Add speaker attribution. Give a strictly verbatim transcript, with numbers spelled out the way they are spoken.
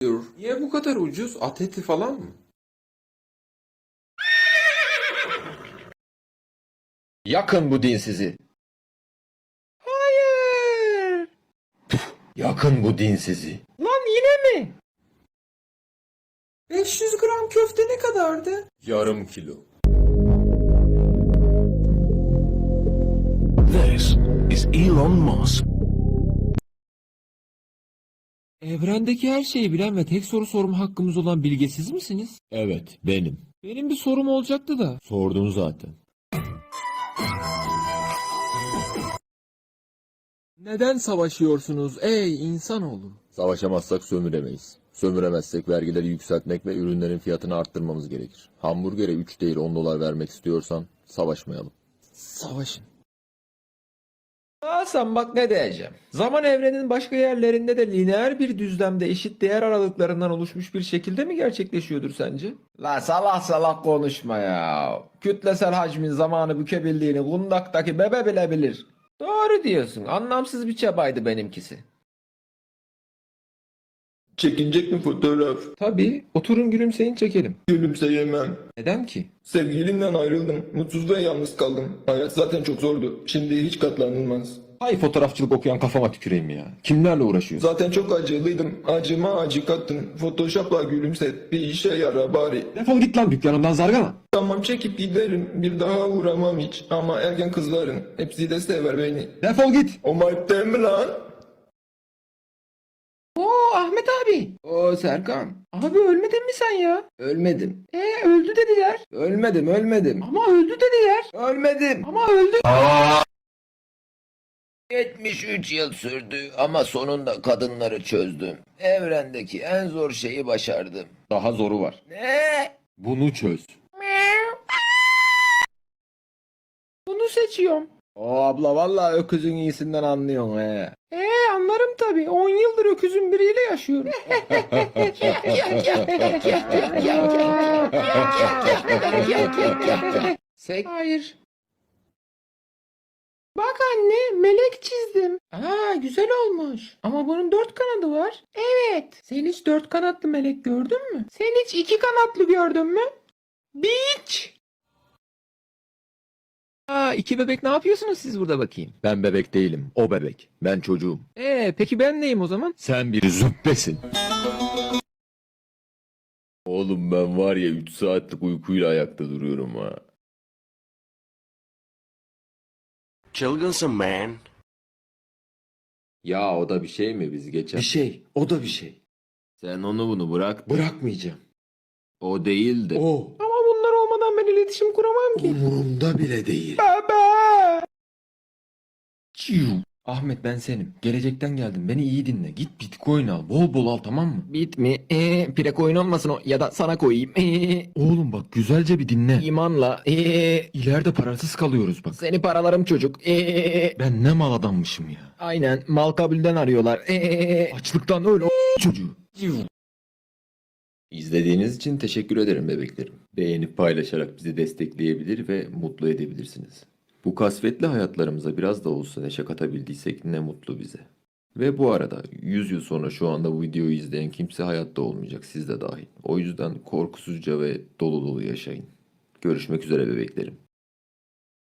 Speaker 1: Niye bu kadar ucuz? At eti falan mı?
Speaker 2: Yakın bu dinsizi. Hayır. Yakın bu dinsizi. Lan yine mi?
Speaker 1: beş yüz gram köfte ne kadardı? Yarım kilo.
Speaker 3: This is Elon Musk.
Speaker 4: Evrendeki her şeyi bilen ve tek soru sorma hakkımız olan bilge siz misiniz?
Speaker 2: Evet, benim.
Speaker 4: Benim bir sorum olacaktı da.
Speaker 2: Sordun zaten.
Speaker 4: Neden savaşıyorsunuz ey insanoğlu?
Speaker 2: Savaşamazsak sömüremeyiz. Sömüremezsek vergileri yükseltmek ve ürünlerin fiyatını arttırmamız gerekir. Hamburgere üç değil on dolar vermek istiyorsan savaşmayalım.
Speaker 4: Savaşın.
Speaker 5: Hasan bak ne diyeceğim. Zaman evrenin başka yerlerinde de lineer bir düzlemde eşit değer aralıklarından oluşmuş bir şekilde mi gerçekleşiyordur sence? La salak salak konuşma ya. Kütlesel hacmin zamanı bükebildiğini kundaktaki bebe bile bilir. Doğru diyorsun. Anlamsız bir çabaydı benimkisi.
Speaker 6: Çekinecek mi fotoğraf?
Speaker 5: Tabii. Oturun gülümseyin çekelim.
Speaker 6: Gülümseyemem.
Speaker 5: Neden ki?
Speaker 6: Sevgilimden ayrıldım. Mutsuz ve yalnız kaldım. Hayat zaten çok zordu. Şimdi hiç katlanılmaz.
Speaker 5: Hay fotoğrafçılık okuyan kafama tüküreyim ya. Kimlerle uğraşıyorsun?
Speaker 6: Zaten çok acılıydım. Acıma acı kattın. Photoshop'la gülümset. Bir işe yara bari.
Speaker 5: Defol git lan dükkanımdan zargana.
Speaker 6: Tamam çekip giderim. Bir daha uğramam hiç. Ama ergen kızların. Hepsi de sever beni.
Speaker 5: Defol git.
Speaker 6: O mayıp değil mi lan?
Speaker 5: Oo Ahmet abi. Oo Serkan. Abi ölmedin mi sen ya? Ölmedim. E öldü dediler. Ölmedim ölmedim. Ama öldü dediler. Ölmedim. Ama öldü.
Speaker 2: yetmiş üç yıl sürdü ama sonunda kadınları çözdüm. Evrendeki en zor şeyi başardım.
Speaker 5: Daha zoru var.
Speaker 2: Ne?
Speaker 5: Bunu çöz. Bunu seçiyorum. O abla vallahi öküzün iyisinden anlıyorsun he. Ee anlarım tabii. on yıldır öküzün biriyle yaşıyorum. Sek. Hayır. Bak anne melek çizdim. Aa güzel olmuş. Ama bunun dört kanadı var. Evet. Sen hiç dört kanatlı melek gördün mü? Sen hiç iki kanatlı gördün mü? Beach. Aa iki bebek ne yapıyorsunuz siz burada bakayım?
Speaker 2: Ben bebek değilim, o bebek. Ben çocuğum.
Speaker 5: Ee peki ben neyim o zaman?
Speaker 2: Sen bir züppesin. Oğlum ben var ya üç saatlik uykuyla ayakta duruyorum ha.
Speaker 3: Çılgınsın man.
Speaker 1: Ya o da bir şey mi biz geçen?
Speaker 5: Bir şey. O da bir şey.
Speaker 1: Sen onu bunu bırak.
Speaker 5: Bırakmayacağım.
Speaker 1: O değildi.
Speaker 5: O. Ama bunlar olmadan ben iletişim kuramam ki.
Speaker 2: Umurumda bile değil.
Speaker 5: Baba. Çiu. Ahmet ben senim. Gelecekten geldim. Beni iyi dinle. Git bitcoin al. Bol bol al tamam mı? Bit mi? Eee pire coin olmasın o. Ya da sana koyayım. Eee. Oğlum bak güzelce bir dinle. İmanla. Eee. İleride parasız kalıyoruz bak. Seni paralarım çocuk. Eee. Ben ne mal adammışım ya. Aynen. Mal kabulden arıyorlar. Eee. Açlıktan öyle o çocuğu. Çiu.
Speaker 2: İzlediğiniz için teşekkür ederim bebeklerim. Beğenip paylaşarak bizi destekleyebilir ve mutlu edebilirsiniz. Bu kasvetli hayatlarımıza biraz da olsa neşe katabildiysek ne mutlu bize. Ve bu arada yüz yıl sonra şu anda bu videoyu izleyen kimse hayatta olmayacak, siz de dahil. O yüzden korkusuzca ve dolu dolu yaşayın. Görüşmek üzere bebeklerim.